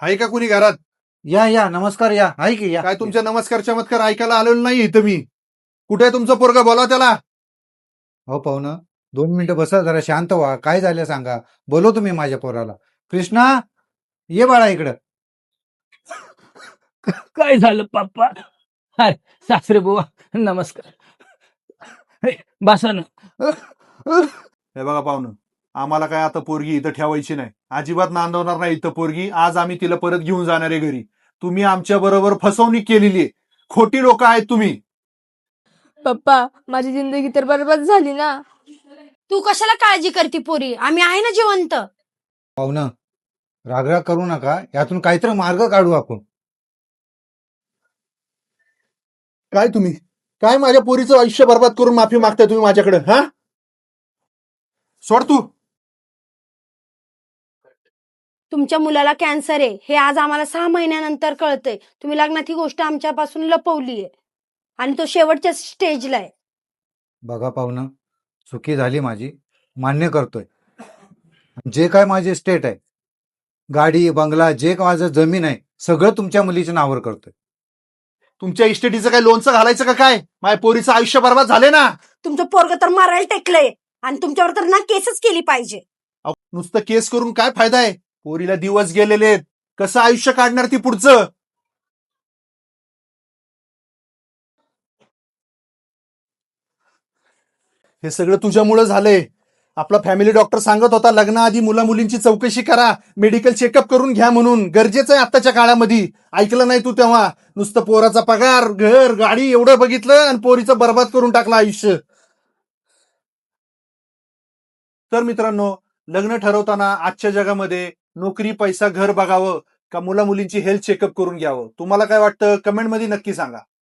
आहे का कुणी घरात? या या नमस्कार या आहे की या काय तुमच्या नमस्कार चमत्कार ऐकायला आलेलो नाही इथं मी. कुठे आहे तुमचं पोरगा? बोला त्याला. हो पाहुणं 2 मिनिटं बसा जरा शांत व्हा काय झालं सांगा बोलवतो मी माझ्या पोराला. कृष्णा ये बाळा इकडं. काय झालं पप्पा? हाय सासरे बुवा नमस्कार. हे, बसा ना. हे बघा पाहुणं, आम्हाला काय आता पोरगी इथं ठेवायची नाही, अजिबात नांदवणार नाही इथं पोरगी. आज आम्ही तिला परत घेऊन जाणार आहे घरी. तुम्ही आमच्या बरोबर फसवणूक केलेली आहे. खोटी लोक आहेत तुम्ही. पप्पा माझी जिंदगी तर बरबाद झाली ना. तू कशाला काळजी करते पोरी? आम्ही आहे ना जिवंत. पाहुणं रागराग करू नका यातून काहीतरी मार्ग काढू आपण. काय तुम्ही काय माझ्या पोरीचं आयुष्य बर्बाद करून माफी मागताय तुम्ही माझ्याकडे? हा, सोड तू. तुमच्या मुलाला कॅन्सर आहे हे आज आम्हाला 6 महिन्यानंतर कळतंय. तुम्ही लग्नात ही गोष्ट आमच्यापासून लपवलीये आणि तो शेवटच्या स्टेजला आहे. बघा पाहुणं चुकी झाली माझी मान्य करतोय. जे काय माझे स्टेट आहे गाडी बंगला जे काय माझं जमीन आहे सगळं तुमच्या मुलीच्या नावावर करतोय. तुमच्या इस्टेटीचं काय लोणचं घालायचं का काय? माझ्या पोरीचं आयुष्य बर्बाद झाले ना. तुमचं पोरग तर मारायला टेकलंय आणि तुमच्यावर तर ना केसच केली पाहिजे. अहो, नुसतं केस करून काय फायदा आहे? पोरीला दिवस गेलेले आहेत. कसं आयुष्य काढणार ती पुढचं? हे सगळं तुझ्यामुळे झालंय. आपला फॅमिली डॉक्टर सांगत होता लग्नाआधी मुला मुलींची चौकशी करा, मेडिकल चेकअप करून घ्या म्हणून. गरजेचं आहे आत्ताच्या काळामध्ये. ऐकलं नाही तू तेव्हा. नुसतं पोराचा पगार घर गाडी एवढं बघितलं आणि पोरीचं बर्बाद करून टाकलं आयुष्य. तर मित्रांनो, लग्न ठरवताना आजच्या जगामध्ये नोकरी पैसा घर बघावं का मुला मुलींची हेल्थ चेकअप करून घ्यावं? तुम्हाला काय वाटतं? कमेंटमध्ये नक्की सांगा.